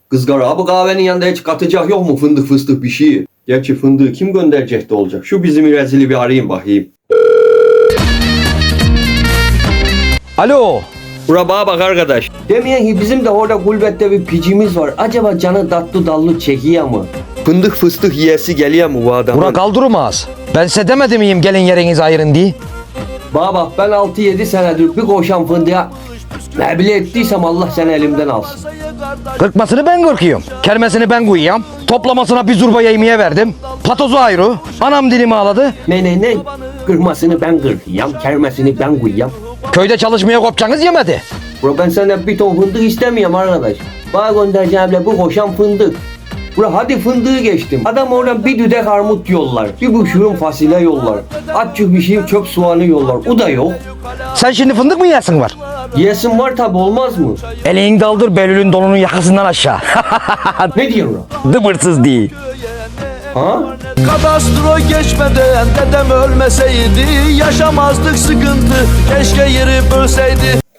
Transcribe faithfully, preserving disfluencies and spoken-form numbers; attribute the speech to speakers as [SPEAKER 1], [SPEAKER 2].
[SPEAKER 1] Kızgar abi kahvenin yanında hiç katacak yok mu fındık fıstık bir şey? Gerçi fındığı kim gönderecek de olacak. Şu bizim rezili bir arayayım bakayım.
[SPEAKER 2] Alo.
[SPEAKER 1] Bura bana bak arkadaş. Demeyen ki bizim de orada gurbette bir picimiz var. Acaba canı tatlı dallı çekiyor mu? Fındık fıstık yiyesi geliyor mu bu adamın?
[SPEAKER 2] Bura kaldırmaz. Ben size demedi miyim gelin yerinizi ayırın diye?
[SPEAKER 1] Bana bak ben altı yedi senedir bir koşan fındığa ne bile ettiysem Allah seni elimden alsın.
[SPEAKER 2] Kırkmasını ben kırkıyorum. Kermesini ben koyuyorum. Toplamasına bir zurba yemeğe verdim. Patozu ayrı. Anam dilimi ağladı.
[SPEAKER 1] Ne ne ne? Kırmasını ben kırkıyam, kermesini ben koyuyam.
[SPEAKER 2] Köyde çalışmaya kopacağınız yemedi.
[SPEAKER 1] Bro ben senden bir ton fındık istemiyorum arkadaş. Bana göndereceğim bu koşan fındık. Bro hadi fındığı geçtim. Adam oradan bir düdek armut yollar. Bir buçuğun fasulye yollar. Azıcık bir şey çöp soğanı yollar. O da yok.
[SPEAKER 2] Sen şimdi fındık mı yesin var?
[SPEAKER 1] Yesin var tabi olmaz mı?
[SPEAKER 2] Elini daldır Belül'ün donunun yakasından aşağı.
[SPEAKER 1] Ne diyorsun lan?
[SPEAKER 2] Dıbırsız değil.
[SPEAKER 1] Ha?
[SPEAKER 3] Kadastro geçmeden dedem ölmeseydi yaşamazdık sıkıntı keşke yeri bölseydi.